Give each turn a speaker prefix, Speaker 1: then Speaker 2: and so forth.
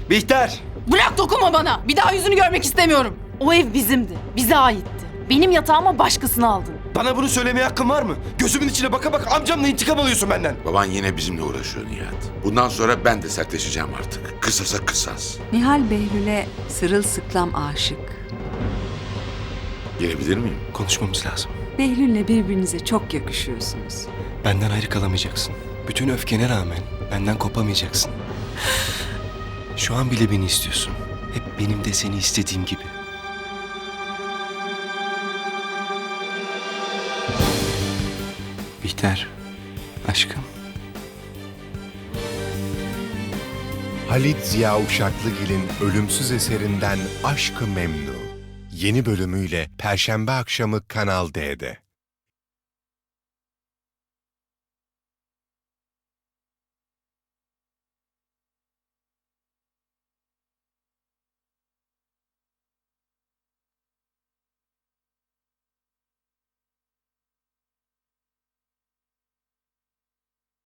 Speaker 1: Bihter!
Speaker 2: Bırak, dokunma bana. Bir daha yüzünü görmek istemiyorum. O ev bizimdi. Bize aitti. Benim yatağıma başkasını aldın.
Speaker 1: Bana bunu söylemeye hakkın var mı? Gözümün içine baka baka amcamla intikam alıyorsun benden.
Speaker 3: Baban yine bizimle uğraşıyor Nihat. Bundan sonra ben de sertleşeceğim artık. Kısasa kısas.
Speaker 4: Nihal Behlül'e sırılsıklam aşık.
Speaker 3: Gelebilir miyim?
Speaker 1: Konuşmamız lazım.
Speaker 4: Behlül'le birbirinize çok yakışıyorsunuz.
Speaker 1: Benden ayrı kalamayacaksın. Bütün öfkene rağmen benden kopamayacaksın. Şu an bile beni istiyorsun. Hep benim de seni istediğim gibi. Bihter, aşkım.
Speaker 5: Halit Ziya Uşaklıgil'in ölümsüz eserinden Aşk-ı Memnu. Yeni bölümüyle Perşembe akşamı Kanal D'de.